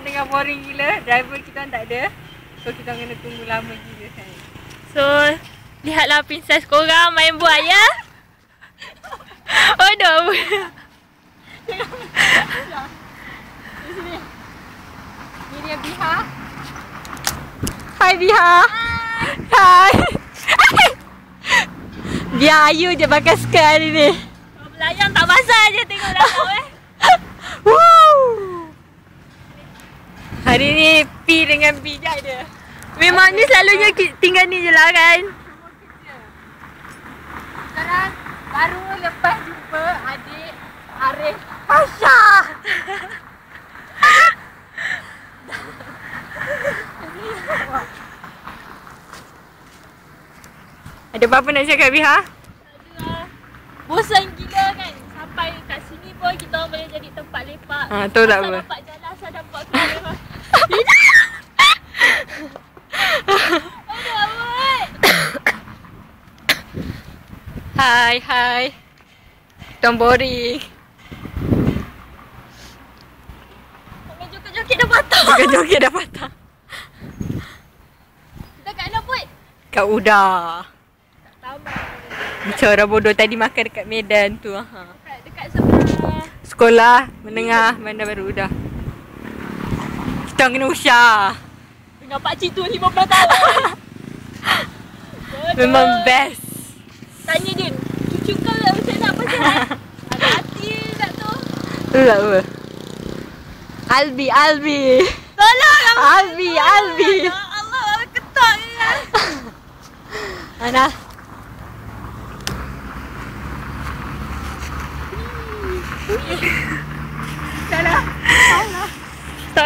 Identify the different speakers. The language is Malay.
Speaker 1: tengah boring gila. Driver kita tak ada. So kita kena tunggu lama gila kan.
Speaker 2: So, lihatlah princess korang main buaya. Oh, dah.
Speaker 1: Di sini. Ni dia Biha. Hai Biha. Hai. Biar Ayu je pakai skirt hari ni.
Speaker 2: Belayang tak basah je tengok dalam
Speaker 1: Woo. Hari ni P dengan B je ada.
Speaker 2: Memangnya selalunya tinggal ni je lah kan.
Speaker 1: Sekarang baru lepas jumpa adik Arif Pasha. Ada apa-apa nak cakap Biha?
Speaker 2: Bosan gila kan. Sampai kat sini pun kita orang boleh jadi tempat lepak.
Speaker 1: Tu tak apa.
Speaker 2: Nampak jalan saya nampak kamera. Aduh awak.
Speaker 1: Hai. Don't boring.
Speaker 2: Main joget-joget dah patah.
Speaker 1: Joget-joget dah patah.
Speaker 2: Kita kat mana pun?
Speaker 1: Kat Uda.
Speaker 2: Tamat.
Speaker 1: Macam orang bodoh tadi makan dekat Medan tu.
Speaker 2: Dekat sebelah.
Speaker 1: Sekolah menengah Bandar Baru Uda. Kita kena usah.
Speaker 2: Dengan pakcik tu 15 tahun.
Speaker 1: Memang best.
Speaker 2: Tanya Din, cucu kau macam nak pasal? Ada hati tak tu?
Speaker 1: Tu tak apa. Albi.
Speaker 2: Tolong
Speaker 1: Albi.
Speaker 2: Ya Allah, ketak ni kan.
Speaker 1: Ana.